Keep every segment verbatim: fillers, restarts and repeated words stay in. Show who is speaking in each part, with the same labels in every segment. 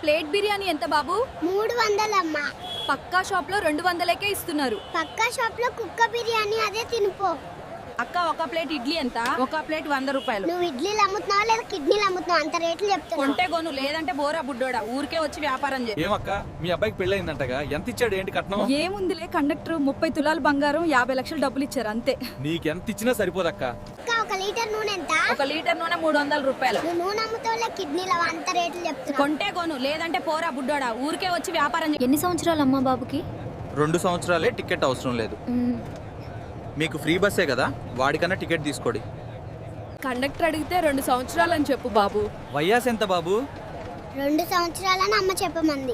Speaker 1: Plate biryani ఎంత బాబు?
Speaker 2: మూడు వందలమ్మా.
Speaker 1: పక్కా shop లో రెండు వందలకే ఇస్తున్నారు.
Speaker 2: పక్కా షాప్ లో కుక్క బిర్యానీ అదే తినిపో.
Speaker 1: అక్క ఒక ప్లేట్ ఇడ్లీ ఎంత? ఒక ప్లేట్ వంద రూపాయలు.
Speaker 2: నువ్వు ఇడ్లీలు అమ్ముతున్నావా లేదా కిడ్నీలు అమ్ముతున్నావు? అంత రేట్లు చెప్తున్నావు.
Speaker 1: కొంటే గోను, లేదంటే బోరా బుడ్డోడా, ఊరికే వచ్చి వ్యాపారం చేయి.
Speaker 3: ఏమక్క మీ అబ్బాయికి పెళ్ళయిందంటగా, ఎంత ఇచ్చాడు ఏంటి కట్నం?
Speaker 1: ఏముందిలే, కండక్టర్ ముప్పై తులాలు బంగారం యాభై లక్షలు డబ్బులు ఇచ్చారు అంతే.
Speaker 3: నీకెంత ఇచ్చినా సరిపోదక్క.
Speaker 2: అక్క, ఒక లీటర్ నూనె ఎంత?
Speaker 1: ఒక లీటర్ నూనె మూడు వందల రూపాయలు.
Speaker 2: నువ్వు నూనె అమ్ముతావులే కిడ్నీలు అంత రేట్లు చెప్తున్నావు.
Speaker 1: కొంటే గోను, లేదంటే పోరా బుడ్డోడా, ఊరికే వచ్చి వ్యాపారం చేయి. ఎన్ని సంవత్సరాలు అమ్మా బాబుకి?
Speaker 3: రెండు సంవత్సరాలే, టికెట్ అవసరం లేదు. మీకు ఫ్రీ బస్సే కదా, వాడికన్నా టికెట్ తీసుకోండి.
Speaker 1: కండక్టర్ అడిగితే రెండు సంవత్సరాలు అని చెప్పు బాబు.
Speaker 3: వయ్యాస్ ఎంత బాబు?
Speaker 2: రెండు సంవత్సరాలని అమ్మ చెప్పమంది.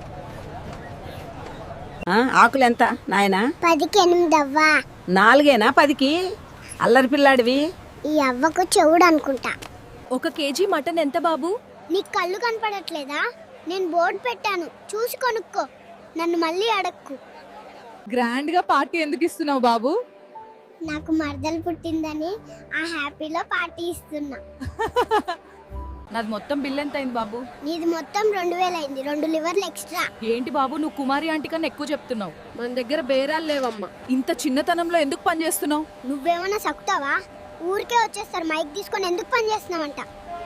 Speaker 4: ఆకులు ఎంత నాయనా?
Speaker 2: పదికి ఎనిమిది అవ్వా.
Speaker 4: నాలుగేనా పదికి? అల్లరి పిల్లాడివి.
Speaker 2: ఈ అవ్వకు చెవుడు అనుకుంటా.
Speaker 1: ఒక కేజీ మటన్ ఎంత బాబు?
Speaker 2: నీకు కళ్ళు కనపడట్లేదా? నేను బోర్డు పెట్టాను, చూసి కొనుక్కో. నన్ను మళ్ళీ అడక్కు.
Speaker 1: గ్రాండ్ గా పార్టీ ఎందుకు ఇస్తున్నావు బాబు?
Speaker 2: నాకు మరదలు పుట్టిందని ఆ హ్యాపీలో పార్టీ ఇస్తున్నా.
Speaker 1: నాది మొత్తం బిల్ ఎంత అయింది బాబు?
Speaker 2: నీది మొత్తం రెండు వేలు అయింది, రెండు లివర్లు ఎక్స్ట్రా.
Speaker 1: ఏంటి బాబు, నువ్వు కుమారి ఆంటీ కన్నా ఎక్కువ చెప్తున్నావు. మన దగ్గర బేరాలు లేవమ్మా. ఇంత చిన్నతనంలో ఎందుకు పని చేస్తున్నావు?
Speaker 2: నువ్వేమన్నా సక్కుతావా? ఊరికే వచ్చేస్తారు మైక్ తీసుకొని. ఎందుకు పని చేస్తున్నావంట?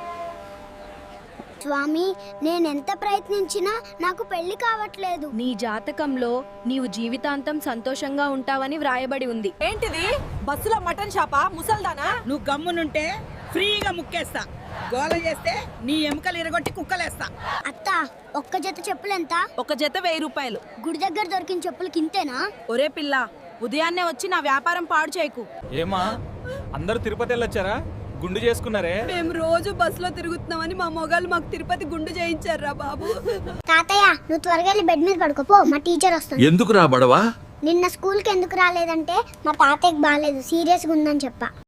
Speaker 2: స్వామి, నేనెంత ప్రయత్నించినా నాకు పెళ్లి కావట్లేదు.
Speaker 1: నీ జాతకంలో నీవు జీవితాంతం సంతోషంగా ఉంటావని వ్రాయబడి ఉంది. ఏంటిది? బస్సులో మటన్ షాపా? ముసల్దానా?
Speaker 4: నువ్వు గమ్మునుంటే ఫ్రీగా ముక్కేస్తా. గోల చేస్తే నీ ఎముకలు ఇరగొట్టి కుక్కలేస్తా.
Speaker 2: అత్త, ఒక్క జత చెప్పులు ఎంత?
Speaker 1: ఒక జత వెయ్యి రూపాయలు.
Speaker 2: గుడి దగ్గర దొరికిన చెప్పులకి ఇంతేనా?
Speaker 1: ఒరే పిల్ల, ఉదయాన్నే వచ్చి నా వ్యాపారం పాడు చేయకు.
Speaker 3: ఏమా అందరూ తిరుపతి వెళ్ళొచ్చారా? గుండు చేసుకున్నారే?
Speaker 1: మేము రోజు బస్సులో తిరుగుతున్నామని మా మొగాళ్ళు మాకు తిరుపతి గుండు చేయించారా బాబు.
Speaker 2: తాతయ్య, నువ్వు త్వరగా వెళ్ళి బెడ్ మీద పడుకోపో, మా టీచర్ వస్తుంది.
Speaker 3: ఎందుకు రా బడవా?
Speaker 2: నిన్న స్కూల్కి ఎందుకు రాలేదంటే మా తాతయ్యకి బాగాలేదు, సీరియస్గా ఉందని చెప్పా.